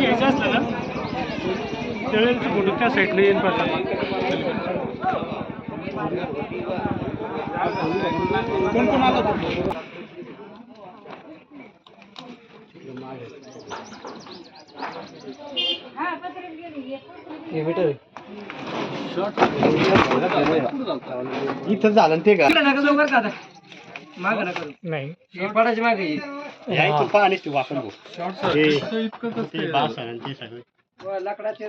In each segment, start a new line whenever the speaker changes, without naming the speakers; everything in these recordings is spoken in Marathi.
घ्यायचं असलं ना त्यावेळेस फोटो त्या साईडला येईन पाहता. कोण कोण आलं होतं?
इथं झालं ते का
नाही
पडायची मागे पाणी वापरून लाकडाचे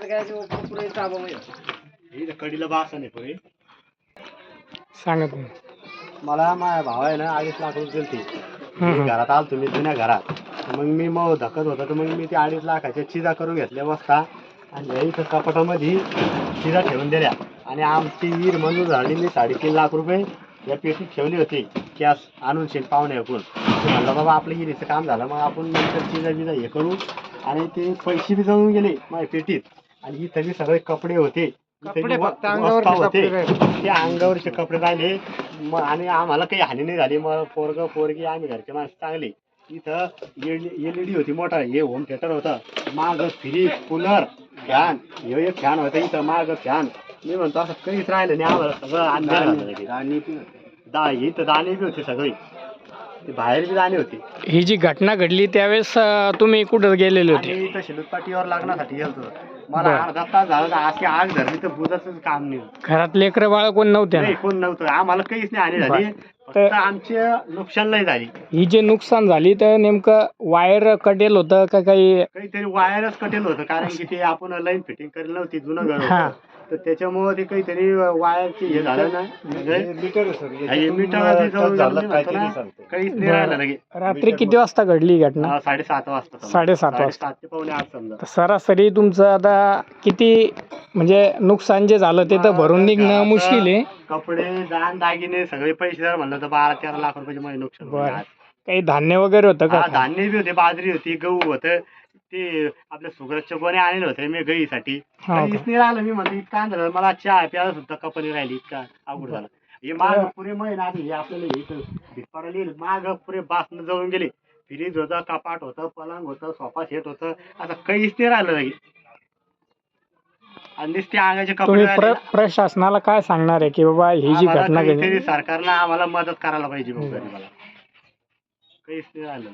कडीला बास आहे पुढे
सांगत नाही.
मला माझ्या भाव आहे ना 2.5 लाख रुपये दिलते. घरात आलो तुम्ही जुन्या घरात मग मी मग धकत होता तर मग मी ते 2.5 लाखाच्या चिजा करून घेतल्या बसता आणि इथं कपाटामध्ये चिजा ठेवून दिल्या आणि आमची विहीर मंजूर झाली. मी 3.5 लाख रुपये या पेटीत ठेवली होती कॅश आणून शेत पाहुणे ऐकून म्हणलं बाबा आपलं विहिरीचं काम झालं मग आपण नंतर चिजा बिजा हे करू आणि ते पैसे बी जळून गेले माझ्या पेटीत आणि इथं बी सगळे कपडे होते होते ते अंगावरचे कपडे राहिले मग आणि आम्हाला काही हानी नाही झाली. मग पोरग पोरगी आम्ही घरचे माणसं चांगली. इथं LED होती मोठा हे होम थिएटर होतं माग फ्रीज कूलर फॅन हे एक फॅन होता इथं माग फॅन. मी म्हणतो असं काहीच राहिलं नाही आम्हाला सगळं अंधार इथं दाणे बी होते सगळे ते बाहेर बी दाणे होते.
ही जी घटना घडली त्यावेळेस तुम्ही कुठं गेलेले होते?
इथं शेलूत पाटीवर लागण्यासाठी गेलतो. मला अर्धा तास झाला अशी आग धरली तर बुजाचं काम नाही.
घरात लेकरं बाळ कोण नव्हते?
नाही कोण नव्हतं. आम्हाला काहीच नाही हानी झाली फक्त आमचे नुकसान नाही झाली.
ही जे नुकसान झाली तर नेमकं वायर कटेल होतं का
काहीतरी वायरच कटेल होतं कारण की ते आपण लाईन फिटिंग करेल नव्हती जुनं घर होतं तर त्याच्यामुळे ते काहीतरी वायरची हे झालं ना काहीच नाही राहिलं लगे.
रात्री किती वाजता घडली घटना?
7:30 वाजता
7:30 वाजता
7 ते पावणे 8 समजा.
सरासरी तुमचं आता किती म्हणजे नुकसान जे झालं ते तर भरून निघणं मुश्किल आहे.
कपडे दान दागिने सगळे पैसे जर म्हणलं तर 12-13 लाख रुपयाचे मध्ये नुकसान.
काही धान्य वगैरे होतं का?
धान्य बी होते बाजरी होती गहू होतं ते आपल्या सुगरजच्या गोणे आणले होते मी गईसाठी काहीच नाही राहिलं. मी म्हणतो इतका झालं मला चहा प्यायला सुद्धा कपनी राहिली इतका अवघड झाला. हे माग पुरे महिना आधी हे आपल्याला हे भिटपाडा लिहिलं माग पुरे बासनं जळून गेले. फ्रीज होतं कपाट होतं पलंग होतं सोफा सेट होतं आता काहीच नाही राहिलं नाही. आणि ते अंगाचे कपडे
प्रशासनाला काय सांगणार आहे की बाबा ही जी घटना घडली
सरकारनं आम्हाला मदत करायला पाहिजे. मला काहीच नाही राहिलं.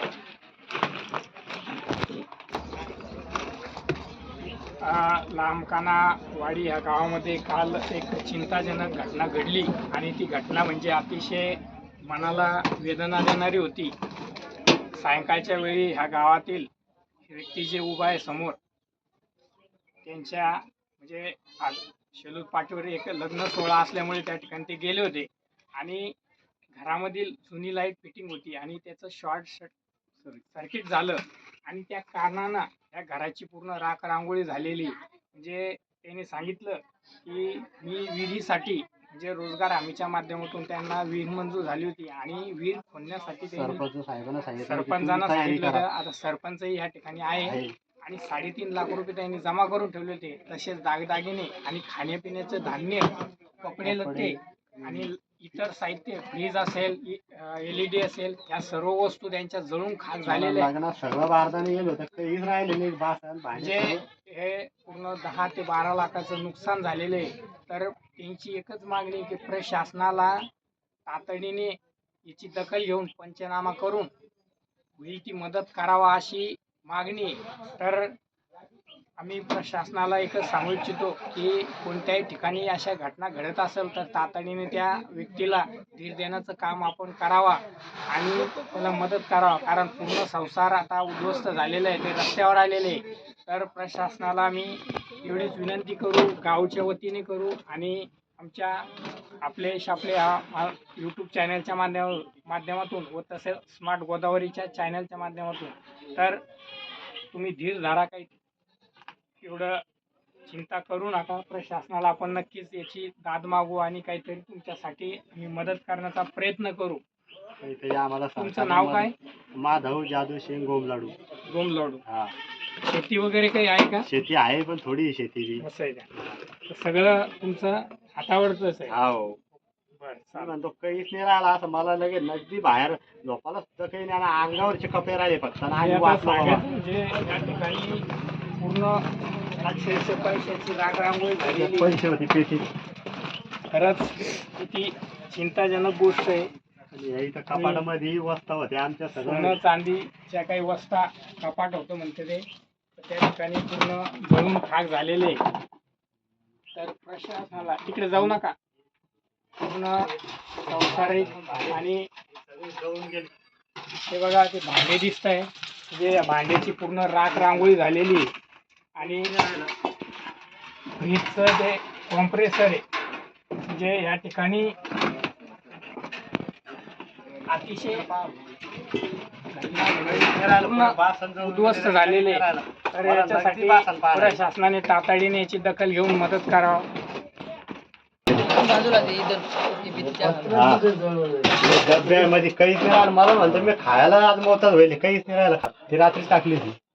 लांबकाना वाडी या गावामध्ये काल एक चिंताजनक घटना घडली आणि ती घटना म्हणजे अतिशय मनाला वेदना देणारी होती. सायंकाळच्या वेळी ह्या गावातील व्यक्ती जे उभा आहे समोर त्यांच्या म्हणजे शेलूत पाटीवर एक लग्न सोहळा असल्यामुळे त्या ठिकाणी ते गेले होते आणि घरामधील जुनी लाईट फिटिंग होती आणि त्याचं सर्किट झालं आणि त्या कारणानं त्या घराची पूर्ण राख रांगोळी झालेली. म्हणजे त्यांनी सांगितलं की मी विहिरीसाठी म्हणजे रोजगार हमीच्या माध्यमातून त्यांना विहीर मंजूर झाली होती आणि विहीर खोदण्यासाठी सरपंचांना सांगितलं. आता सरपंचही या ठिकाणी आहे आणि 3.5 लाख रुपये त्यांनी जमा करून ठेवले होते. तसेच दागदागिने आणि खाण्यापिण्याचं धान्य कपडे लत्ते आणि इतर साहित्य फ्रीज असेल LED असेल या सर्व वस्तू त्यांच्या जळून खाक झालेल्या
सगळं बारदाने गेलं होतं काहीच राहिलं नाही.
म्हणजे हे पूर्ण 10 ते 12 लाखाचं नुकसान झालेलं आहे. तर त्यांची एकच मागणी की प्रशासनाला तातडीने याची दखल घेऊन पंचनामा करून होईल ती मदत करावा अशी मागणी. तर आम्ही प्रशासनाला एकच सांगू इच्छितो की कोणत्याही ठिकाणी अशा घटना घडत असेल तर तातडीने त्या व्यक्तीला धीर देण्याचं काम आपण करावा आणि त्याला मदत करावा. कारण पूर्ण संसार आता उद्ध्वस्त झालेला आहे, ते रस्त्यावर आलेले आहे. तर प्रशासनाला आम्ही एवढीच विनंती करू गावच्या वतीने करू आणि आमच्या आपले यूट्यूब चॅनलच्या माध्यमातून व तसेच स्मार्ट गोदावरीच्या चॅनलच्या माध्यमातून. तर तुम्ही धीर धरा, काही एवढं चिंता करू नका. प्रशासनाला आपण नक्कीच याची दाद मागू आणि काहीतरी तुमच्यासाठी मी मदत करण्याचा प्रयत्न करू. तुमचं नाव काय?
माधव जाधव सिंग गोमलाडू.
हा. शेती वगैरे काही आहे का?
शेती आहे पण थोडी शेती
असं आहे का? सगळं तुमचं हातावरच आहे?
हो. बरं म्हणतो काहीच नाही राहिला असं मला लगेच नगदी बाहेर झोपायला सुद्धा काही नाही. अंगावरचे कपडे राहिले फक्त
म्हणजे या ठिकाणी पूर्ण अक्षरशः पैशाची रांगोळी झालेली.
पैसे होती पेटी.
खरंच किती चिंताजनक गोष्ट आहे.
आणि या इथं कपाटामध्ये वस्ता होत्या आमच्या
सोनं
सगळं.
चांदीच्या काही वस्ता कपाट होतं म्हणते ते, तर त्या ठिकाणी पूर्ण जळून खाक झालेले. तर प्रशासनाला तिकडे जाऊ नका. पूर्ण संसारिक आणि हे बघा ते भांडे दिसत आहे, म्हणजे या भांड्याची पूर्ण राख रांगोळी झालेली आहे. आणि फ्रीजचं ते कॉम्प्रेसर आहे, म्हणजे या ठिकाणी अतिशय उद्ध्वस्त झालेले. तर याच्यासाठी प्रशासनाने तातडीने याची दखल घेऊन मदत करावं.
डब्यामध्ये काहीच नाही राहिलं. मला म्हणतो मी खायला आज मोताच होईल, काहीच नाही राहिलं. ती रात्री टाकली ती.